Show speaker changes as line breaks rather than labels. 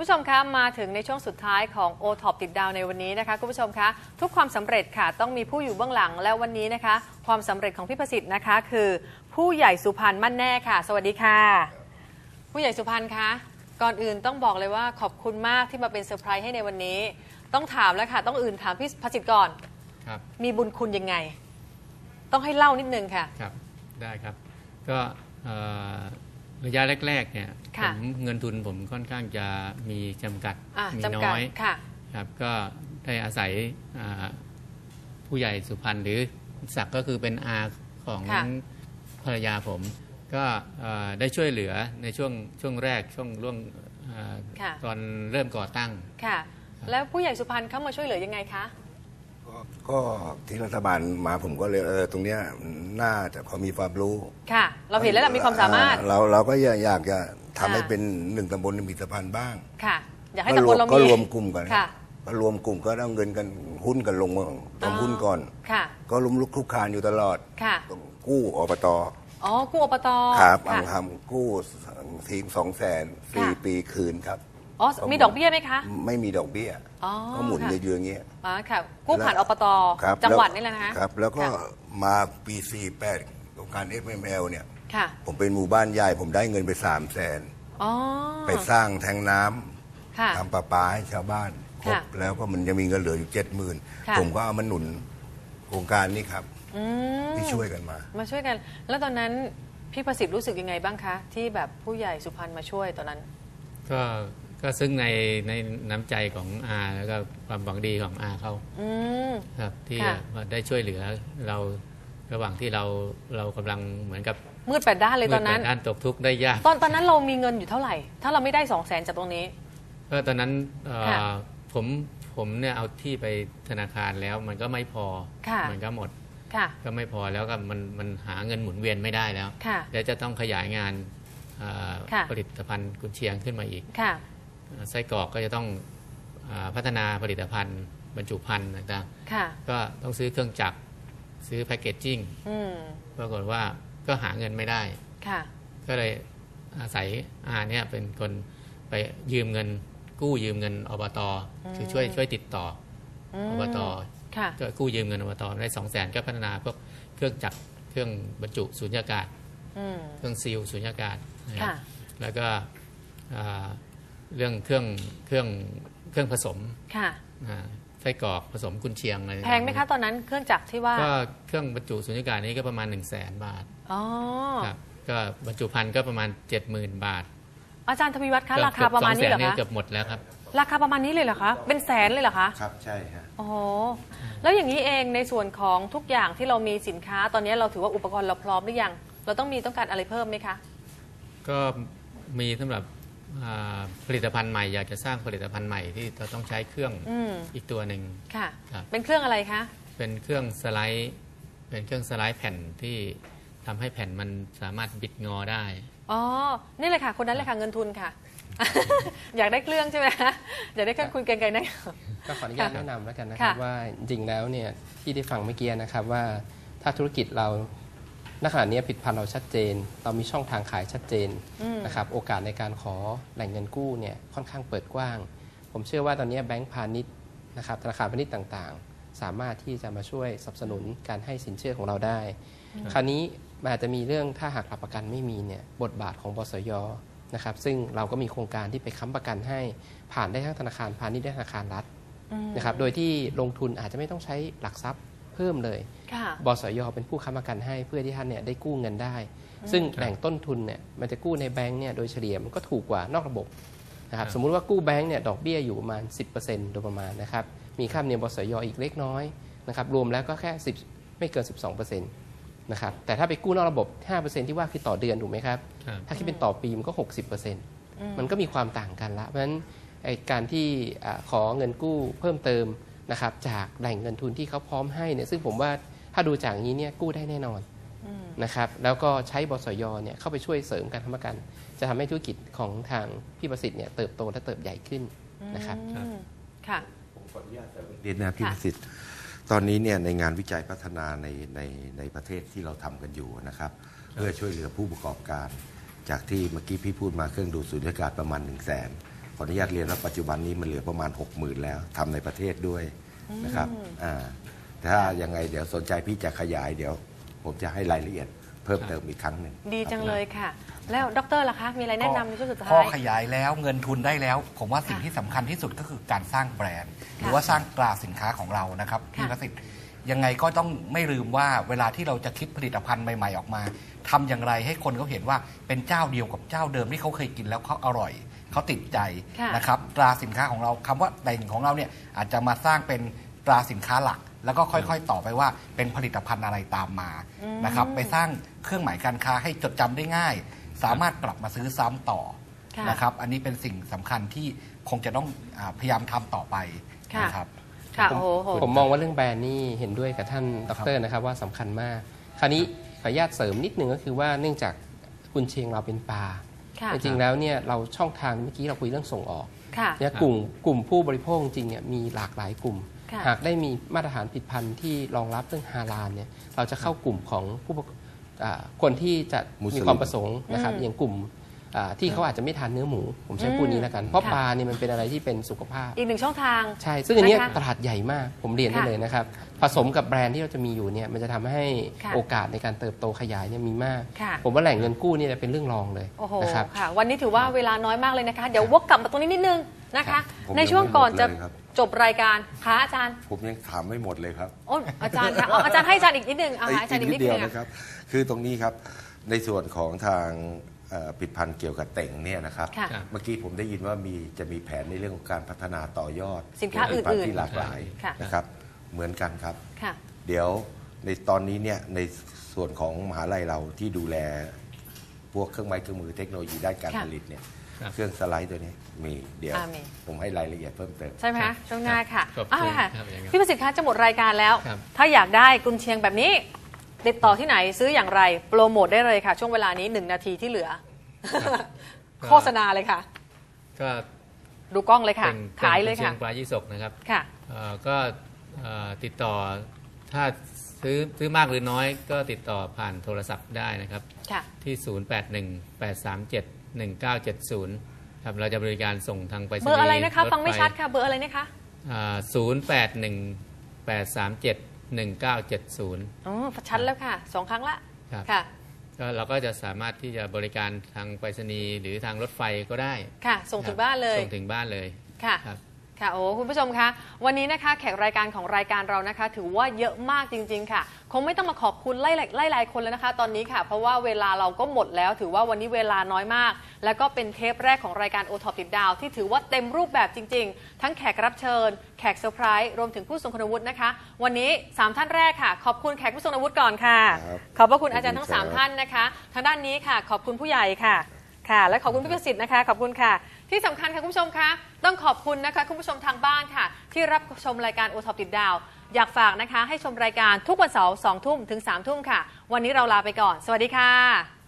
ผู้ชมคะมาถึงในช่วงสุดท้ายของ OTOP ติดดาวในวันนี้นะคะคุณผู้ชมคะทุกความสำเร็จค่ะต้องมีผู้อยู่เบื้องหลังและวันนี้นะคะความสำเร็จของพี่ประสิทธิ์นะคะคือผู้ใหญ่สุพรรณมั่นแน่ค่ะสวัสดีค่ะผู้ใหญ่สุพรรณคะก่อนอื่นต้องบอกเลยว่าขอบคุณมากที่มาเป็นเซอร์ไพรส์ให้ในวันนี้ต้องถามแล้วค่ะต้องอื่นถามพี่ประสิทธิ์ก่อน
ครับ
มีบุญคุณยังไงต้องให้เล่านิดนึงค่ะ
ครับได้ครับก็ระยะแรกๆเนี่ยเงินทุนผมค่อนข้างจะมีจำกัดมีน้อยครับก็ได้อาศัยผู้ใหญ่สุพรรณหรือศักดิ์ก็คือเป็นอาของภรรยาผมก็ได้ช่วยเหลือในช่วงแรกช่วงร่วงตอนเริ่มก่อตั้ง
ค่ะแล้วผู้ใหญ่สุพรรณเข้ามาช่วยเหลือยังไงคะ
ก็ที่รัฐบาลมาผมก็เลยตรงเนี้ยน่าจะพอมีความรู้
ค่ะเราเห็นแล้วเรามีความสามารถ
เราก็อยากจะทำให้เป็นหนึ่งตำบลมีสะพานบ้าง
ค่ะอยากให้ตำบลเรามี
ก็รวมกลุ่มกันก็รวมกลุ่มก็เอาเงินกันหุ้นกันลงต้องหุ้นก่อนก็ล้มลุกคลุกคลานอยู่ตลอดกู้อบต
กู้อบต
ครับทำกู้ที200,000 4 ปีคืนครับ
มีดอกเบี้ยไหมคะ
ไม่มีดอกเบี้ยก็หมุนเยอะๆอย่างเงี้ย
ค่ะกู้ผ่านอบตจังหวัดนี่แหละนะคะ
ครับแล้วก็มาปี48โครงการ FML เนี่ยผมเป็นหมู่บ้านใหญ่ผมได้เงินไป300,000ไปสร้างแทงน้ำทำประปาให้ชาวบ้านครบแล้วก็มันยังมีเงินเหลืออยู่70,000ผมก็เอามาหนุนโครงการนี้ครับที่ช่วยกัน
มาช่วยกันแล้วตอนนั้นพี่ประสิทธิ์รู้สึกยังไงบ้างคะที่แบบผู้ใหญ่สุพรรณมาช่วยตอนนั้น
ก็ซึ่งในน้ำใจของอาแล้วก็ความหวังดีของอาเขาครับที่ได้ช่วยเหลือเราระหว่างที่เรากำลังเหมือนกับ
มืดแปดด้านเลยตอนนั้น
ด้านตกทุกข์ได้ยาก
ตอนนั้นเรามีเงินอยู่เท่าไหร่ถ้าเราไม่ได้200,000จากตรงนี้
ก็ตอนนั้นผมเนี่ยเอาที่ไปธนาคารแล้วมันก็ไม่พอมันก็หมดก็ไม่พอแล้วก็มันหาเงินหมุนเวียนไม่ได้แล้วแล้วจะต้องขยายงานผลิตภัณฑ์กุนเชียงขึ้นมาอีกไส้กรอกก็จะต้องพัฒนาผลิตภัณฑ์บรรจุภัณฑ์ต่างๆก็ต้องซื้อเครื่องจักรซื้อแพคเกจจิ้งปรากฏว่าก็หาเงินไม่ได้ก็เลยอาศัยเนี่ยเป็นคนไปยืมเงินกู้ยืมเงินอบตคือช่วยติดต่ออบตก็กู้ยืมเงินอบตได้200,000ก็พัฒนาพวกเครื่องจักรเครื่องบรรจุสุญญากาศเครื่องซีลสุญญากาศแล้วก็เรื่องเครื่องผสมไส้กรอกผสมกุนเชียงอะไร
แพงไหมคะตอนนั้นเครื่องจักรที่ว่า
ก็เครื่องบรรจุสุญญากาศนี้ก็ประมาณ100,000 บาทครับก็บรรจุภัณฑ์ก็ประมาณ70,000 บาท
อาจารย์ทวีวัฒน์คะราคาประมาณนี้เหรอคะ
เกือบหมดแล้วครับ
ราคาประมาณนี้เลยเหรอคะเป็นแสนเลยเหรอคะ
ครับใช่ครับ
โอ้แล้วอย่างนี้เองในส่วนของทุกอย่างที่เรามีสินค้าตอนนี้เราถือว่าอุปกรณ์เราพร้อมหรือยังเราต้องการอะไรเพิ่มไหมคะ
ก็มีสำหรับผลิตภัณฑ์ใหม่อยากจะสร้างผลิตภัณฑ์ใหม่ที่เราต้องใช้เครื่องอีกตัวหนึ่ง
ค่ะเป็นเครื่องอะไรคะ
เป็นเครื่องสไลด์แผ่นที่ทำให้แผ่นมันสามารถบิดงอได้
นี่เลยค่ะคนนั้นเลยค่ะเงินทุนค่ะ อยากได้เครื่องใช่ไหมอยากได้เครื่องคุยกันไกลนะ
ก็ขออนุญาตแนะนำแล้วกันนะครับว่าจริงแล้วเนี่ยที่ได้ฟังเมื่อกี้นะครับว่าถ้าธุรกิจเราณขณะนี้ผลิตภัณฑ์เราชัดเจนเรามีช่องทางขายชัดเจนนะครับโอกาสในการขอแหล่งเงินกู้เนี่ยค่อนข้างเปิดกว้างผมเชื่อว่าตอนนี้แบงก์พาณิชย์นะครับธนาคารพาณิชย์ต่างๆสามารถที่จะมาช่วยสนับสนุนการให้สินเชื่อของเราได้คราวนี้มันอาจจะมีเรื่องถ้าหากหลักประกันไม่มีเนี่ยบทบาทของบสย.นะครับซึ่งเราก็มีโครงการที่ไปค้ำประกันให้ผ่านได้ทั้งธนาคารพาณิชย์และธนาคารรัฐนะครับโดยที่ลงทุนอาจจะไม่ต้องใช้หลักทรัพย์เพิ่มเลยบสย.เป็นผู้ค้ำประกันให้เพื่อที่ท่านเนี่ยได้กู้เงินได้ซึ่งแหล่งต้นทุนเนี่ยมันจะกู้ในแบงก์เนี่ยโดยเฉลี่ยมันก็ถูกกว่านอกระบบนะครับสมมุติว่ากู้แบงก์เนี่ยดอกเบี้ยอยู่ประมาณ 10% โดยประมาณนะครับมีค่าธรรมเนียมบสย.อีกเล็กน้อยนะครับรวมแล้วก็แค่10ไม่เกิน 12%นะครับแต่ถ้าไปกู้นอกระบบ 5% ที่ว่าคือต่อเดือนถูกไหมครับถ้าคิดเป็นต่อปีมันก็ 60% มันก็มีความต่างกันละเพราะฉะนั้นการที่ขอเงินกู้เพิ่มเติมนะครับจากแหล่งเงินทุนที่เขาพร้อมให้เนี่ยซึ่งผมว่าถ้าดูจากนี้เนี่ยกู้ได้แน่นอนนะครับแล้วก็ใช้บสย.เนี่ยเข้าไปช่วยเสริมการค้ำประกันจะทำให้ธุรกิจของทางพี่ประสิทธิ์เนี่ยเติบโตและเติบใหญ่ขึ้นนะครับ
ค่ะ
ผมขออนุญาตเรียนนะพี่ประสิทธิ์ตอนนี้เนี่ยในงานวิจัยพัฒนาในประเทศที่เราทำกันอยู่นะครับเพื่อช่วยเหลือผู้ประกอบการจากที่เมื่อกี้พี่พูดมาเครื่องดูดสุญญากาศประมาณ100,000
ขออนุญาตเรียนว่าปัจจุบันนี้มันเหลือประมาณ 60,000 แล้วทำในประเทศด้วยนะครับถ้ายังไงเดี๋ยวสนใจพี่จะขยายเดี๋ยวผมจะให้รายละเอียดเพิ่มเติมอีกครั้งหนึ่ง
ดีจังเลยค่ะ แล้วดรล่ะคะมีอะไรแนะนำในช่วงสุดท้า
พอย ขยายแล้วเงินทุนได้แล้ว ผมว่าสิ่งที่สำคัญที่สุดก็คือการสร้างแบรนด์ หรือว่าสร้างตราสินค้าของเรานะครับพี่ประสิทธิ์ยังไงก็ต้องไม่ลืมว่าเวลาที่เราจะคิดผลิตภัณฑ์ใหม่ๆออกมาทำอย่างไรให้คนเขาเห็นว่าเป็นเจ้าเดียวกับเจ้าเดิมที่เขาเคยกินแล้วเขาอร่อยเขาติดใจนะครับตราสินค้าของเราคำว่าแต่งของเราเนี่ยอาจจะมาสร้างเป็นตราสินค้าหลัก แล้วก็ค่อยๆต่อไปว่าเป็นผลิตภัณฑ์อะไรตามมานะครับไปสร้างเครื่องหมายการค้าให้จดจำได้ง่าย สามารถกลับมาซื้อซ้ำต่อนะครับอันนี้เป็นสิ่งสำคัญที่คงจะต้องพยายามทำต่อไปนะครับ
ผมมองว่าเรื่องแบรนด์นี่เห็นด้วยกับท่านดร.นะครับว่าสำคัญมากคราวนี้ขออนุญาตเสริมนิดนึงก็คือว่าเนื่องจากกุนเชียงเราเป็นปลาจริงๆแล้วเนี่ยเราช่องทางเมื่อกี้เราคุยเรื่องส่งออกเนี่ยกลุ่มผู้บริโภคจริงเนี่ยมีหลากหลายกลุ่มหากได้มีมาตรฐานผลิตภัณฑ์ที่รองรับเรื่องฮาลาลเนี่ยเราจะเข้ากลุ่มของผู้คนที่จะมีความประสงค์นะครับอย่างกลุ่มที่เขาอาจจะไม่ทานเนื้อหมูผมใช้พูดนี้แล้วกันเพราะปลาเนี่ยมันเป็นอะไรที่เป็นสุขภาพ
อีกหนึ่งช่องทาง
ใช่ซึ่งอันนี้ตลาดใหญ่มากผมเรียนได้เลยนะครับผสมกับแบรนด์ที่เราจะมีอยู่เนี่ยมันจะทำให้โอกาสในการเติบโตขยายเนี่ยมีมากผมว่าแหล่งเงินกู้นี่จะเป็นเรื่องรองเลยนะครับ
วันนี้ถือว่าเวลาน้อยมากเลยนะคะเดี๋ยววกกลับมาตรงนี้นิดนึงนะคะในช่วงก่อนจะจบรายการค่ะอาจารย์
ผมยังถามไม่หมดเลยครับ
โอ้อาจารย์คะอาจารย์ให้อาจารย์อีกนิดนึงอาจารย์อีกนิดเดียว
นะครับคือตรงนี้ครับในส่วนของทางผลิตภัณฑ์เกี่ยวกับเต่งเนี่ยนะครับเมื่อกี้ผมได้ยินว่าจะมีแผนในเรื่องของการพัฒนาต่อยอด
สินค้าอื่นๆ
ที่หลากหลายนะครับเหมือนกันครับเดี๋ยวในตอนนี้เนี่ยในส่วนของมหาลัยเราที่ดูแลพวกเครื่องไม้เครื่องมือเทคโนโลยีด้านการผลิตเนี่ยเครื่องสไลด์ตัวนี้มีเดี๋ยวผมให้รายละเอียดเพิ่มเติม
ใช่ไหมคะช่วงหน้าค่ะพี่ประสิทธิ์คะจะหมดรายการแล้วถ้าอยากได้กุนเชียงแบบนี้ติดต่อที่ไหนซื้ออย่างไรโปรโมทได้เลยค่ะช่วงเวลานี้1 นาทีที่เหลือโฆษณาเลยค่ะ
ก็
ดูกล้องเลยค่ะขายเลยค่ะ
เชียงปลายี่สกนะครับ
ค่ะ
ก็ติดต่อถ้าซื้อมากหรือน้อยก็ติดต่อผ่านโทรศัพท์ได้นะครับที่0818371970ครับเราจะบริการส่งทางไปรษณีย์
เบอร์อะไรนะคะฟังไม่ชัดค่ะเบอร์อะไรนะคะ
0818371970
อ๋อชัดแล้วค่ะ2 ครั้งละค่ะ
เราก็จะสามารถที่จะบริการทางไปรษณีย์หรือทางรถไฟก็ได้
ค่ะส่งถึงบ้านเลย
ส่งถึงบ้านเลย
ค่ะค่ะโอ้คุณผู้ชมคะวันนี้นะคะแขกรายการของรายการเรานะคะถือว่าเยอะมากจริงๆค่ะคงไม่ต้องมาขอบคุณไล่คนแล้วนะคะตอนนี้ค่ะเพราะว่าเวลาเราก็หมดแล้วถือว่าวันนี้เวลาน้อยมากแล้วก็เป็นเทปแรกของรายการโอท็อปติดดาวที่ถือว่าเต็มรูปแบบจริงๆทั้งแขกรับเชิญแขกเซอร์ไพรส์รวมถึงผู้ทรงคุณวุฒินะคะวันนี้3 ท่านแรกค่ะขอบคุณแขกผู้ทรงคุณวุฒิก่อนค่ะขอบพระคุณอาจารย์ทั้ง3 ท่านนะคะทางด้านนี้ค่ะขอบคุณผู้ใหญ่ค่ะและขอบคุณพี่ประสิทธิ์นะคะขอบคุณค่ะที่สำคัญค่ะคุณผู้ชมคะต้องขอบคุณนะคะคุณผู้ชมทางบ้านค่ะที่รับชมรายการโอท็อปติดดาวอยากฝากนะคะให้ชมรายการทุกวันเสาร์ 2 ทุ่มถึง 3 ทุ่มค่ะวันนี้เราลาไปก่อนสวัสดีค่ะ